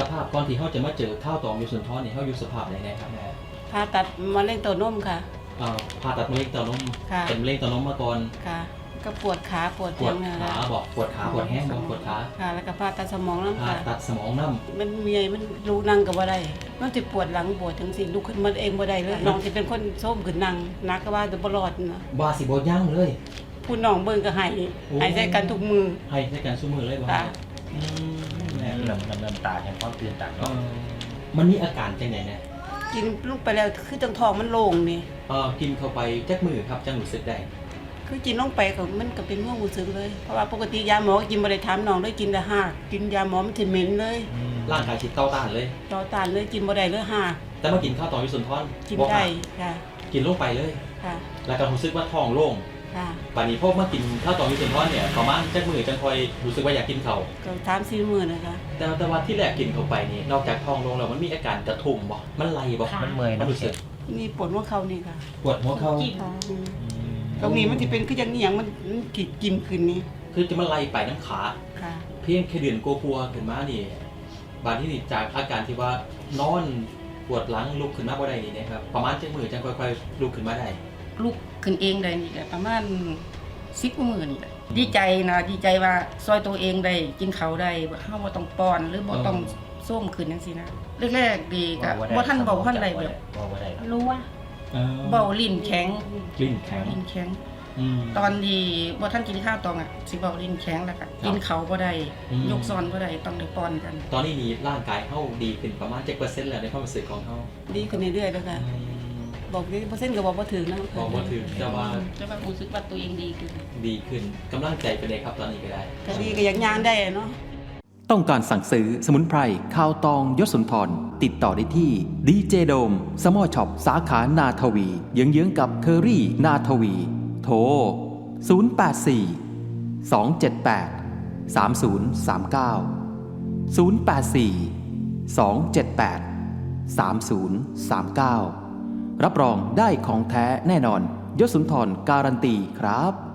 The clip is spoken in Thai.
ภาพก่อนที่เขาจะมาเจอข้าวตองยศสุนทรเนี่ยเขาอยู่สภาพไหนครับแม่ผ่าตัดมะเร็งเต้านมค่ะผ่าตัดมะเร็งเต้านมเป็นมะเร็งเต้านมมาก่อนค่ะก็ปวดขาปวดปวดขาบอกปวดขาปวดแห้งบอกปวดขาค่ะแล้วก็ผ่าตัดสมองน้ำผ่าค่ะตัดสมองน้ำมันมีมันรู้นั่งก็บ่ได้มันจะปวดหลังปวดถึงสิลุกขึ้นมาเองบ่ได้เลยน้องจะเป็นคนโซมขึ้นนั่งนักก็ว่าจะบ่รอดนะว่าสิบ่ย่างเลยผู้น้องเบิ่งก็ให้ใส่กันทุกมือให้ใส่กันทุกมือเลยบ่ค่ะเริ่มตาแห่งความตื่นตาเนาะมันมีอาการจังได๋นะกินลงไปแล้วคือจังท้องมันโล่งนี่กินเข้าไปจักมือครับจังรู้สึกได้คือกินลงไปก็มันก็เป็นความรู้สึกเลยเพราะว่าปกติยาหมอกินบ่ได้ถามน้องเลยกินแต่หากกินยาหมอมันสิเหม็นเลยร่างกายสิต่อต้านเลยต่อต้านเลยกินบ่ได้เลยหากแต่มากินข้าวตองยศสุนทรกินได้ค่ะกินลงไปเลยค่ะแล้วก็รู้สึกว่าท้องโล่งค่ะป่านนี้พวกมากินข้าวตองยศสุนทรเนี่ยประมาณจักมือจังค่อยรู้สึกว่าอยากกินข้าวก็3-4 มื้อนะคะแต่ว่าที่แรกกินเข้าไปนี่นอกจากท้องโล่งแล้วมันมีอาการกระทุ้มบ่มันไหลบ่มันเมื่อยมันรู้สึกมีปวดหัวเข่านี่ค่ะปวดหัวเข่าตรงนี้มันสิเป็นคือจังอีหยังมันกินขึ้นนี่คือจะมันไหลไปน้ำขาค่ะเพียงแค่เดือนกลัวๆขึ้นมานี่บาดที่นี่จากอาการที่ว่านอนปวดหลังลุกขึ้นมาบ่ได้นี่นะครับประมาณจักมื้อจังค่อยๆลุกขึ้นมาได้ลุกขึ้นเองได้นี่แหละประมาณ10 กว่ามื้อนี่แหละดีใจนะดีใจว่าซอยตัวเองได้กินข้าวได้เฮาบ่ต้องป้อนหรือบ่ต้องส้มขึ้นจังซี่นะแรกๆดีก็บ่ทันเว้าทันได้แบบรู้ว่าเว้าลิ้นแข็งตอนที่บ่ทันกินข้าวตองอ่ะสิเว้าลิ้นแข็งแล้วก็กินข้าวบ่ได้ยกซ้อนบ่ได้ต้องได้ป้อนกันตอนนี้นี่ร่างกายเฮาดีขึ้นประมาณ7%แล้วในความรู้สึกของเฮาดีขึ้นเรื่อยๆแล้วค่ะบอกดิเปอร์เซ็นต์ก็บอกบ่ถึงนะบอกบ่ถึงแต่ว่ารู้สึกว่าตัวเองดีขึ้นกำลังใจเป็นไงครับตอนนี้ก็ได้ก็ดีก็ยังย่างได้เนาะต้องการสั่งซื้อสมุนไพรข้าวตองยศสุนทรติดต่อได้ที่ดีเจโดมสมอช็อปสาขานาทวีเยื้องๆกับเคอรี่นาทวีโทร084 278 3039 084 278 3039รับรองได้ของแท้แน่นอนยศสุนทรการันตีครับ